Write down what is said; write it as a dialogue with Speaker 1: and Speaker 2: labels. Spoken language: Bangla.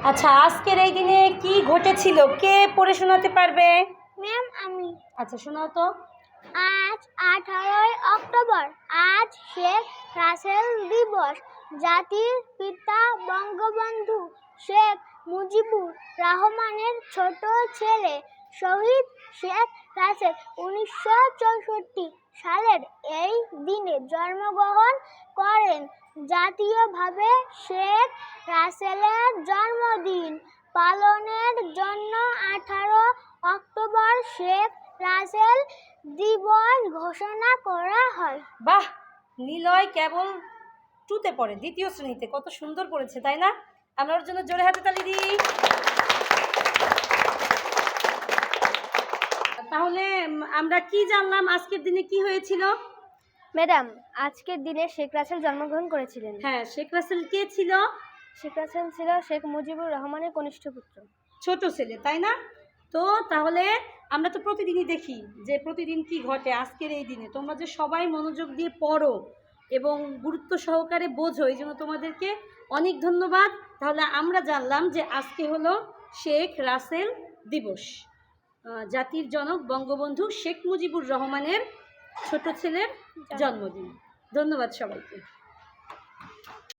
Speaker 1: আচ্ছা, আজকের এই দিনে কি ঘটেছিল কে পড়ে শোনাতে পারবে?
Speaker 2: ম্যাম আমি।
Speaker 1: আচ্ছা, শোনাও তো।
Speaker 2: আজ 18ই অক্টোবর, আজ শেখ রাসেল দিবস। জাতির পিতা বঙ্গবন্ধু শেখ মুজিবুর রহমানের ছোট ছেলে শহীদ শেখ রাসেল 1964 সালের এই দিনে জন্মগ্রহণ করেন। জাতীয়ভাবে শেখ রাসেলের জন্মদিন পালনের জন্য 18 অক্টোবর শেখ রাসেল দিবস ঘোষণা করা হয়।
Speaker 1: বাহ, নিলয় কেবল টুতে পড়ে, দ্বিতীয় শ্রেণীতে। কত সুন্দর পড়েছে, তাই না? আমরা ওর জন্য জোরে হাতে তালি দিই। তাহলে আমরা কি জানলাম আজকের দিনে কি হয়েছিল?
Speaker 2: ম্যাডাম, আজকের দিনে শেখ রাসেল জন্মগ্রহণ করেছিলেন।
Speaker 1: হ্যাঁ, শেখ রাসেল কে ছিল?
Speaker 2: শেখ রাসেল ছিল শেখ মুজিবুর রহমানের কনিষ্ঠ পুত্র,
Speaker 1: ছোট ছেলে, তাই না? তো তাহলে আমরা তো প্রতিদিনই দেখি যে প্রতিদিন কি ঘটে। আজকের এই দিনে তোমরা যে সবাই মনোযোগ দিয়ে পড়ো এবং গুরুত্ব সহকারে বোঝো, এই জন্য তোমাদেরকে অনেক ধন্যবাদ। তাহলে আমরা জানলাম যে আজকে হলো শেখ রাসেল দিবস, জাতির জনক বঙ্গবন্ধু শেখ মুজিবুর রহমানের ছোট ছেলের জন্মদিন। ধন্যবাদ সবাইকে।